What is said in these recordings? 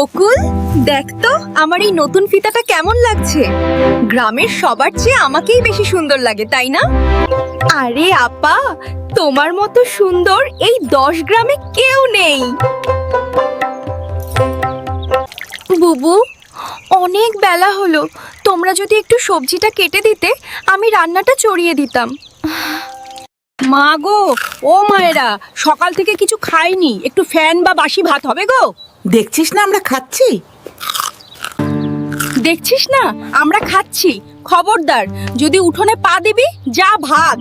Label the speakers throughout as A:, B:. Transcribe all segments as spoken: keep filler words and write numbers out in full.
A: বকুল, দেখ তো আমার এই নতুন ফিতাটা কেমন লাগছে। গ্রামের সবার চেয়ে আমাকেই বেশি সুন্দর লাগে, তাই না? আরে আপা, তোমার মতো সুন্দর এই দশ গ্রামে কেউ নেই। বুবু, অনেক বেলা হলো, তোমরা যদি একটু সবজিটা কেটে দিতে আমি রান্নাটা চড়িয়ে দিতাম।
B: মা গো, ও মায়েরা, সকাল থেকে কিছু খাইনি, একটু ফ্যান বা বাসি ভাত হবে গো।
C: দেখছিস না আমরা খাচ্ছি।
B: দেখছিস না আমরা খাচ্ছি, খবরদার যদি উঠোনে পা দিবি যা ভাগ।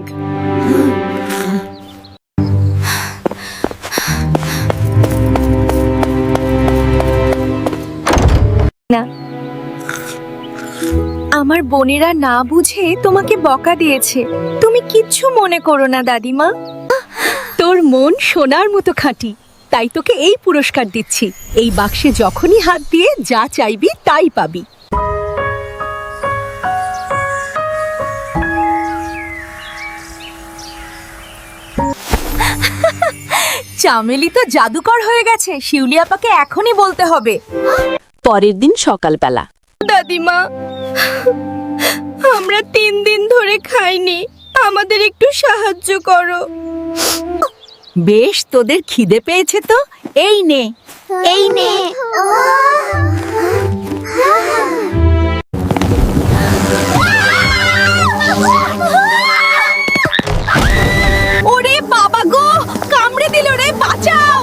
A: না, আমার বোনেরা না বুঝে তোমাকে বকা দিয়েছে, তুমি কিচ্ছু মনে করো না দাদিমা।
B: তোর মন সোনার মতো খাঁটি, তাই তোকে এই পুরস্কার দিচ্ছি। এই বাক্সে যখনই হাত দিয়ে যা চাইবি তাই পাবি।
A: চামেলি তো জাদুকর হয়ে গেছে, শিউলি আপাকে এখনই বলতে হবে।
D: পরের দিন সকালবেলা
A: দাদিমা, আমরা তিন দিন ধরে খাইনি, আমাদের একটু সাহায্য করো।
B: বেশ, তোদের খিদে পেয়েছে তো এই নে, এই নে।
A: ওরে বাবা গো, কামড়ে দিল রে, বাঁচাও।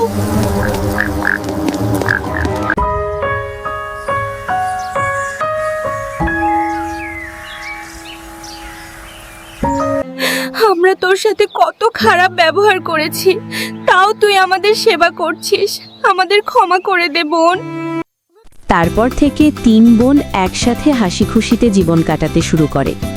A: আমরা তোর সাথে কত খারাপ ব্যবহার করেছি, তাও তুই আমাদের সেবা করছিস, আমাদের ক্ষমা করে দে বোন।
D: তারপর থেকে তিন বোন একসাথে হাসি খুশিতে জীবন কাটাতে শুরু করে।